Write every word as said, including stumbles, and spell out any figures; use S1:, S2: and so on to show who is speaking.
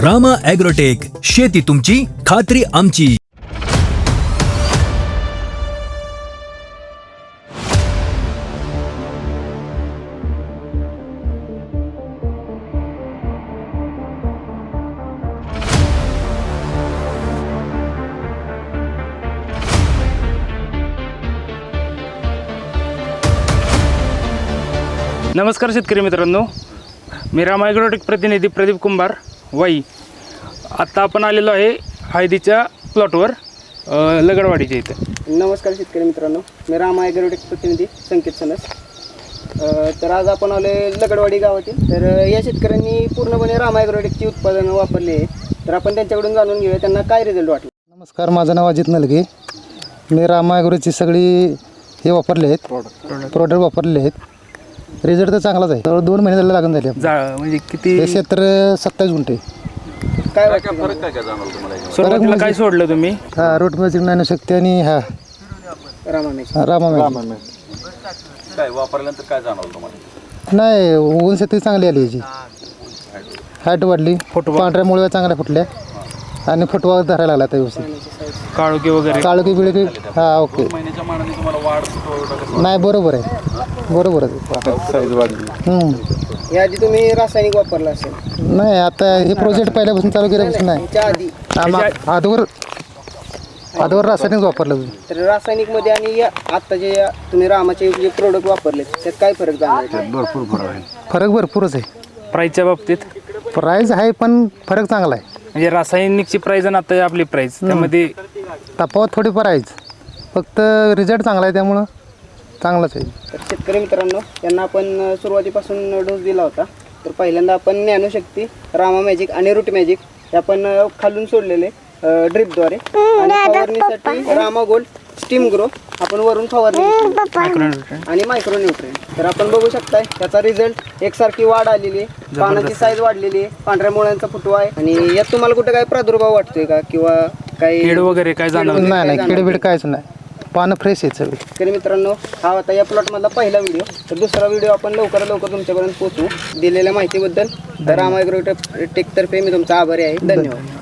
S1: Rama agrotech, शेती तुमची, खात्री आमची.
S2: नमस्कार शेतकरी मित्रांनो, मी रामा ॲग्रोटेक प्रतिनिधी प्रदीप कुंभार वाई. आत्ता आपण आलेलो आहे हळदीच्या प्लॉटवर लगडवाडीच्या इथं.
S3: नमस्कार शेतकरी मित्रांनो, मी रामा ॲग्रोटेक प्रतिनिधी संकेत सनस. तर आज आपण आलो लगडवाडी गावातील. तर या शेतकऱ्यांनी पूर्णपणे रामा ॲग्रोटेकची उत्पादनं वापरली आहे. तर आपण त्यांच्याकडून जाणून घेऊया त्यांना काय रिझल्ट वाटला.
S4: नमस्कार, माझं नाव अजित नलगे. मी रामा ॲग्रोची सगळी हे वापरले आहेत, प्रोडक्ट वापरले आहेत. रिझल्ट तर चांगलाच आहे. तर दोन महिने झाले लागून झाले.
S2: जा म्हणजे किती
S4: हे क्षेत्र सत्तावीस गुंठे.
S3: काय वाटतं
S5: फरक काय काय जाणवलं तुम्हाला?
S2: सुरुवातीला काय सोडलं तुम्ही?
S4: हा रोट मॅजिक ज्ञानशक्ती आणि हा
S3: रामा मॅच?
S4: रामा मॅजिक.
S5: काय वापरल्यानंतर काय जाणवलं तुम्हाला?
S4: नाही, ऊन शेती चांगली आली याची. हाईट वाढली,
S2: फुटवा.
S4: पांढऱ्या मुळ्या चांगल्या फुटल्या आणि फुटवा धरायला लागला आता व्यवस्थित.
S2: काळोखी वगैरे
S4: काळोखी बिळकी हा ओके.
S5: महिन्याच्या मानाने तुम्हाला वाढ फुटवा
S4: नाही, बरोबर आहे, बरोबर आहे.
S5: साईज वाढली.
S4: हम्म.
S3: याआधी तुम्ही रासायनिक वापरलं असेल?
S4: नाही, आता हे प्रोजेक्ट पहिल्यापासून चालू केल्यापासून नाही.
S3: याच्या आधी
S4: आम्हा- आधीवर आधीवर रासायनिक वापरलं.
S3: तर रासायनिकमध्ये आणि या आत्ता जे या तुम्ही रामाचे जे प्रोडक्ट वापरले त्यात काय फरक जाणवला?
S5: भरपूर फरक आहे.
S4: फरक भरपूरच आहे.
S2: प्राईजच्या बाबतीत
S4: प्राईज आहे पण फरक चांगला आहे.
S2: म्हणजे रासायनिकची प्राईज आणि आता आपली प्राईज त्यामध्ये
S4: तफावत थोडीफार आहेच, फक्त रिझल्ट चांगला आहे त्यामुळं चांगलाच आहे.
S3: तर शेतकरी मित्रांनो, यांना आपण सुरुवातीपासून डोस दिला होता. तर पहिल्यांदा आपण ज्ञानशक्ती, रामा मॅजिक आणि रूट मॅजिक हे आपण खालून सोडलेले ड्रिपद्वारे, आणि फवारणीसाठी रामा गोल्ड स्टीम ग्रो आपण वरून फवारणी घेतली आणि मायक्रो न्यूट्रिएंट. तर आपण बघू शकताय त्याचा रिझल्ट एकसारखी वाढ आलेली आहे, पानाची साईज वाढलेली आहे, पांढऱ्या मुळ्यांचा फुटवा आहे. आणि यात तुम्हाला कुठे काय प्रादुर्भाव वाटतोय का किंवा काही
S2: कीड वगैरे काय जाणवलं?
S4: नाही नाही, किडबीड काहीच नाही, पानं फ्रेश आहेत सगळी.
S3: शेतकरी मित्रांनो, हा होता या प्लॉटमधला पहिला व्हिडिओ. तर दुसरा व्हिडिओ आपण लवकरात लवकर तुमच्यापर्यंत पोहोचू. दिलेल्या माहितीबद्दल रामा ॲग्रोटेक तर्फे मी तुमचा आभारी आहे. धन्यवाद.